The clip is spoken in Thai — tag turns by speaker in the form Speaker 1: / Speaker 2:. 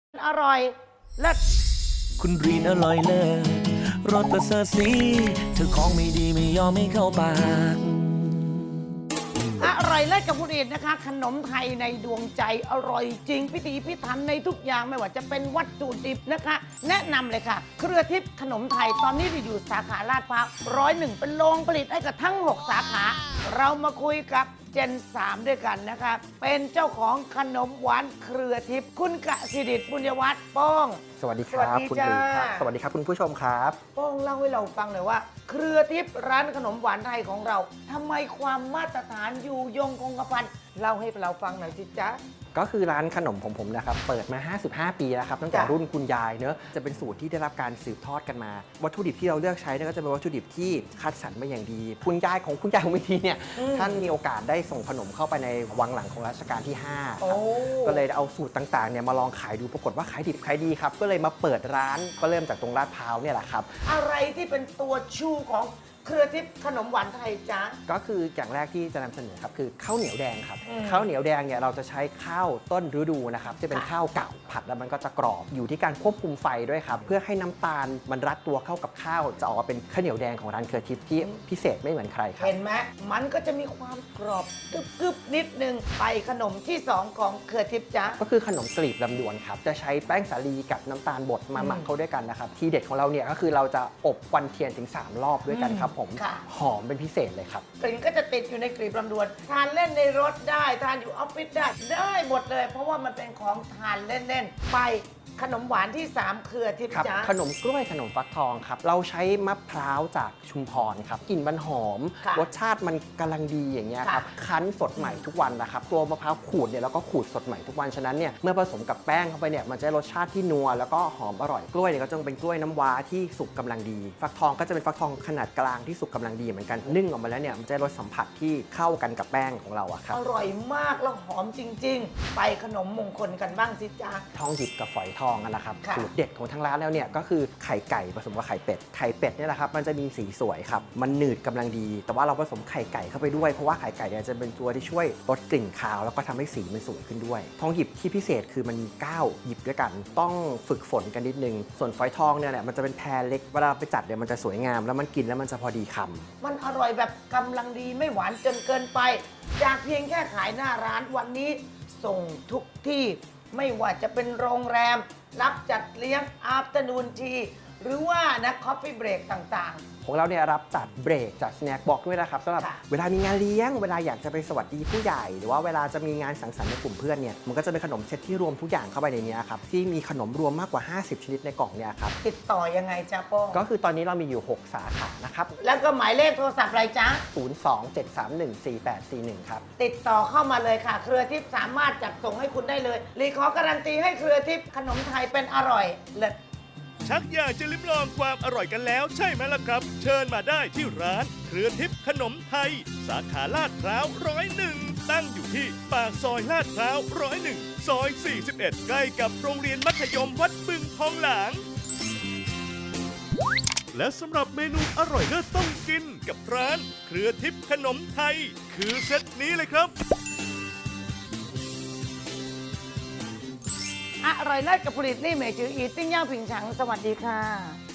Speaker 1: อร่อยเลิศ
Speaker 2: คุณรีนอร่อยเลิศรสประเสริฐสีเธอของไม่ดีไม่ยอมไม่เข้าปาก
Speaker 1: อร่อยเลิศกับคุณรีนนะคะ ขนมไทยในดวงใจอร่อยจริงพิถีพิถันในทุกอย่างไม่ว่าจะเป็นวัตถุดิบนะคะ แนะนำเลยค่ะ เครือทิพย์ขนมไทยตอนนี้อยู่สาขาลาดพร้าว101เป็นโรงผลิตให้กับทั้ง 6 สาขา เรามาคุยกับเจน 3 ด้วยกันนะคะ เป็นเจ้าของขนมหวานเครือทิพย์คุณกสิดิษฐ์บุญยวัฒน์ป้อง
Speaker 3: สวัสดีครับ
Speaker 1: สวัสดี
Speaker 3: คุณ
Speaker 1: จ้า
Speaker 3: ลีครับสวัสดีครับคุณผู้ชมครับ
Speaker 1: ป้องเล่าให้เราฟังหน่อยว่า เครือทิพย์ร้านขนมหวานไทยของเราทำไมความมาตรฐานอยู่ยงคงกระพันเล่าให้เราฟังหน่อยสิจ๊ะ
Speaker 3: ก็คือร้านขนมของผมนะครับเปิดมา 55 ปีแล้วครับตั้งแต่
Speaker 1: จ้ะ
Speaker 3: รุ่นคุณยายเนอะจะเป็นสูตรที่ได้รับการสืบทอดกันมา วัตถุดิบที่เราเลือกใช้เนี่ยก็จะเป็นวัตถุดิบที่คัดสรรมาอย่างดีคุณยายของวิธีเนี่ยท่านมีโอกาสได้ส่งขนมเข้าไปในวังหลังของรัชกาลที่5
Speaker 1: โอ้
Speaker 3: ครับก็เลยเอาสูตรต่างๆเนี่ยมาลองขายดูปรากฏว่าขายดิบขายดีครับก็เลยมาเปิดร้านก็เริ่มจากตรงลาดพร้าวเนี่ยแหละครับ
Speaker 1: อะไรที่เป็นตัวชูของเครือทิพย์ขนมหวานไทยจ๊ะ
Speaker 3: ก็คืออย่างแรกที่จะนำเสนอครับคือข้าวเหนียวแดงครับ
Speaker 1: อืม
Speaker 3: ข้าวเหนียวแดงเนี่ยเราจะใช้ข้าวต้นฤดูนะครับจะเป็น
Speaker 1: ค่ะ
Speaker 3: ข้าวเก่าผัดแล้วมันก็จะกรอบอยู่ที่การควบคุมไฟด้วยครับเพื่อให้น้ำตาลมันรัดตัวเข้ากับข้าวจะออกมาเป็นข้าวเหนียวแดงของร้านเครือทิพย์ที่พิเศษไม่เหมือนใครครับ
Speaker 1: เห็นไหมมันก็จะมีความกรอบกึบๆนิดนึงไปขนมที่ 2 ของเครือทิพย์จ๊ะ
Speaker 3: ก็คือขนมกลีบลำดวนครับจะใช้แป้งสาลีกับน้ำตาลบดมาหมักเข้าด้วยกันนะครับที่เด็ดของเราเนี่ยก็คือเราจะอบควันเทียนถึง3 รอบด้วยกันครับผม
Speaker 1: ค่ะ
Speaker 3: หอมเป็นพิเศษเลยครับ
Speaker 1: กลิ่นก็จะติดอยู่ในกลีบลำดวน ทานเล่นในรถได้ทานอยู่ออฟฟิศได้หมดเลย เพราะว่ามันเป็นของทานเล่นๆไปขนมหวานที่ 3 เครือทิพย์
Speaker 3: ครับ
Speaker 1: จ๊ะ
Speaker 3: ขนมกล้วยขนมฟักทองครับเราใช้มะพร้าวจากชุมพรครับกลิ่นมันหอม
Speaker 1: ค่ะ
Speaker 3: รสชาติมันกำลังดีอย่างเงี้ยครับ
Speaker 1: ค่ะ
Speaker 3: คั้นสดใหม่ทุกวันนะครับตัวมะพร้าวขูดเนี่ยเราก็ขูดสดใหม่ทุกวันฉะนั้นเนี่ยเมื่อผสมกับแป้งเข้าไปเนี่ยมันจะได้รสชาติที่นัวแล้วก็หอมอร่อยกล้วยเนี่ยก็จะเป็นกล้วยน้ำว้าที่สุกกำลังดี ฟักทองก็จะเป็นฟักทองขนาดกลางที่สุกกำลังดีเหมือนกันนึ่งออกมาแล้วเนี่ยมันจะได้รสสัมผัสที่เข้ากันกับแป้งของเราอะครับ
Speaker 1: อร่อยมากแล้วหอมจริง ๆ ไปขนมมงคลกันบ้างสิจ๊ะ
Speaker 3: ทองหยิบกับฝอยทองอะนะครับ
Speaker 1: ค่ะ
Speaker 3: สูตรเด็ดของทางร้านแล้วเนี่ยก็คือไข่ไก่ผสมกับไข่เป็ดไข่เป็ดเนี่ยแหละครับมันจะมีสีสวยครับมันหนืดกำลังดี แต่ว่าเราผสมไข่ไก่เข้าไปด้วยเพราะว่าไข่ไก่เนี่ยจะเป็นตัวที่ช่วยลดกลิ่นคาวแล้วก็ทำให้สีมันสวยขึ้นด้วย ทองหยิบที่พิเศษคือมันมี9หยิบด้วยกัน ต้องฝึกฝนกันนิดนึงส่วนฝอยทองเนี่ยมันจะเป็นแพรเล็กเวลาไปจัดเนี่ยมันจะสวยงามแล้วมันกินแล้วมันจะพอดีคำ
Speaker 1: มันอร่อยแบบกำลังดีไม่หวานจนเกินไป จากเพียงแค่ขายหน้าร้านวันนี้ส่งทุกที่ไม่ว่าจะเป็นโรงแรม รับจัดเลี้ยง afternoon tea หรือว่านะ coffee break ต่าง
Speaker 3: ของเราเนี่ยรับจัดเบรกจัดสแน็คบ็อกด้วยนะครับสำหรับ
Speaker 1: ค่ะ
Speaker 3: เวลามีงานเลี้ยงเวลาอยากจะไปสวัสดีผู้ใหญ่ หรือว่าเวลาจะมีงานสังสรรค์ในกลุ่มเพื่อนเนี่ยมันก็จะเป็นขนมเซตที่รวมทุกอย่างเข้าไปในนี้ครับที่มีขนมรวมมากกว่า 50 ชนิดในกล่องเนี่ยครับ
Speaker 1: ๆ ติดต่อยังไงจ๊ะโป้ง
Speaker 3: ก็คือตอนนี้เรามีอยู่ 6 สาขานะครับ
Speaker 1: แล้วก็หมายเลขโทรศัพท์อะไรจ๊ะ
Speaker 3: 027314841 ครับ
Speaker 1: ติดต่อเข้ามาเลยค่ะ เครือทิพย์สามารถจัดส่งให้คุณได้เลยรีขอการันตีให้เครือทิพย์ขนมไทยเป็นอร่อยเลิศ
Speaker 4: ชักอยากจะลิ้มลองความอร่อยกันแล้วใช่ไหมล่ะครับ เชิญมาได้ที่ร้านเครือทิพย์ขนมไทย สาขาลาดพร้าว101 ตั้งอยู่ที่ปากซอยลาดพร้าว101 ซอย 41 ใกล้กับโรงเรียนมัธยมวัดบึงทองหลาง และสำหรับเมนูอร่อยเลิศต้องกินกับร้านเครือทิพย์ขนมไทย คือเซตนี้เลยครับ
Speaker 1: อร่อยเลิศกับผลิตนี่เหมยจืออีติ้งย่างผิงฉังสวัสดีค่ะ